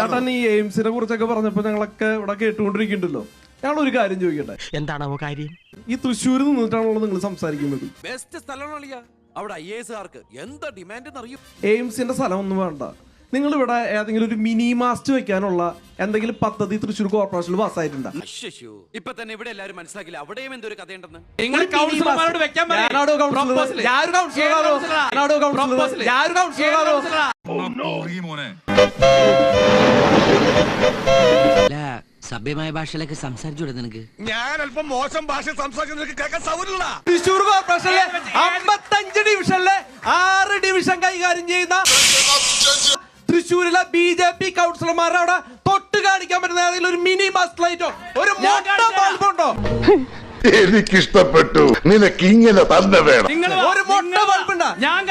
ചേട്ടൻ ഈ എയിംസിനെ കുറിച്ചൊക്കെ പറഞ്ഞപ്പോ ഞങ്ങളൊക്കെ ഇവിടെ കേട്ടുകൊണ്ടിരിക്കുന്നുണ്ടല്ലോ. ഞങ്ങളൊരു കാര്യം ചോദിക്കട്ടെ, എന്താണോ കാര്യം? ഈ തൃശ്ശൂരിൽ നിന്നിട്ടാണല്ലോ നിങ്ങൾ സംസാരിക്കുന്നത്? ബെസ്റ്റ് സ്ഥലമാണല്ലോ അവിടെ. IAS എന്താ ഡിമാൻഡ് അറിയും. എയിംസിന്റെ സ്ഥലം ഒന്നും വേണ്ട, നിങ്ങൾ ഇവിടെ ഏതെങ്കിലും ഒരു മിനി മാസ്റ്റ് വെക്കാനുള്ള എന്തെങ്കിലും പദ്ധതി തൃശ്ശൂർ കോർപ്പറേഷനിൽ പാസ്സായിട്ടുണ്ടോ? ഇപ്പൊ തന്നെ ഇവിടെ എല്ലാരും മനസ്സിലാക്കില്ല, അവിടെയും എന്തൊരു കഥയുണ്ടെന്ന്. സഭ്യമായ ഭാഷയിലൊക്കെ സംസാരിച്ചൂടെ നിനക്ക്? ഞാൻ അല്പം മോശം ഭാഷ സംസാരിക്കുന്ന തൃശ്ശൂർ കോർപ്പറേഷനിലെ 55 ഡിവിഷനിലെ 6 ഡിവിഷൻ കൈകാര്യം ചെയ്യുന്ന തൃശ്ശൂരിലെ BJP കൗൺസിലർമാരെ അവിടെ തൊട്ട് കാണിക്കാൻ പറ്റുന്ന ഏതെങ്കിലും ഒരു മിനി മാസ്റ്റ് ലൈറ്റോ ഒരു ബൾബുണ്ടോ? എനിക്കിഷ്ടപ്പെട്ടു. നിനക്ക് ഇങ്ങനെ തന്നെ വേണം. ഒരു മൊട്ട ബൾബുണ്ടോ?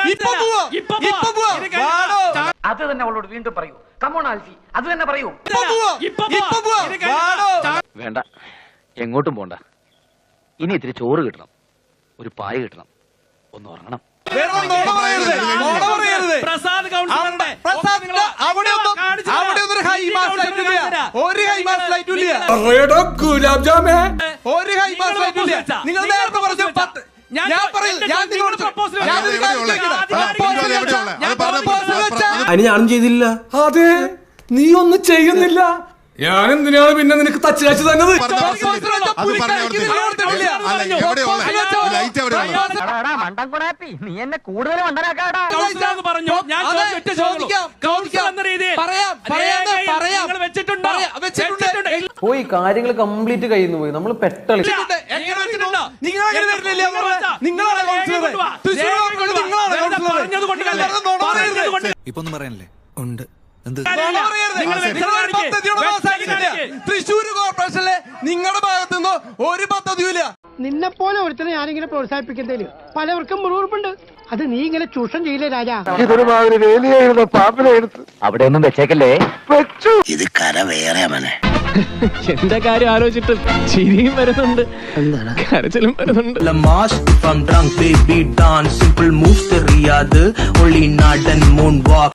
അത് തന്നെ അവളോട് വീണ്ടും പറയൂ. കമോൺ ആൽഫി, അത് തന്നെ പറയൂ. വേണ്ട, എങ്ങോട്ടും പോണ്ട. ഇനി ഇത്തിരി ചോറ് കിട്ടണം, ഒരു പായ കിട്ടണം, ഒന്ന് ഉറങ്ങണം. അതിന് ഞാനും ചെയ്തില്ല. അതെ, നീ ഒന്നും ചെയ്യുന്നില്ല. ഞാൻ എന്തിനാണ് പിന്നെ നിനക്ക് തച്ച് കാച്ചു തന്നത്? നീ എന്നെ കൂടുതൽ മണ്ടനാക്കാടാ. പോയി കാര്യങ്ങൾ കംപ്ലീറ്റ് കഴിയുന്നു പോയി. നമ്മൾ പെട്ടളി. ഇപ്പൊ ഒന്നും പറയാനല്ലേ? ഉണ്ട്. തൃശ്ശൂർ കോർപ്പറേഷനിലെ നിങ്ങളുടെ ഭാഗത്തുനിന്ന് ഒരു പദ്ധതിയില്ല. നിന്നെ പോലെ ഒരുത്തനെ ഞാനിങ്ങനെ പ്രോത്സാഹിപ്പിക്കുന്നതില് പലവർക്കും മുറിവുറുപ്പുണ്ട്. അത് നീ ഇങ്ങനെ ചൂഷണം ചെയ്യില്ലേ രാജാ? ഇതൊരുമാതിരി വേലിയായിരുന്നു, പാമ്പിനെടുത്ത് അവിടെ ഒന്നും വെച്ചേക്കല്ലേ. ഇത് കര വേറെ മനെ. എന്റെ കാര്യം ആലോചിച്ചിട്ട് ചിരിയും വരുന്നുണ്ട്, കരച്ചിലും വരുന്നുണ്ട്. From drunk baby dance, simple moves the riyad, only not and moonwalk.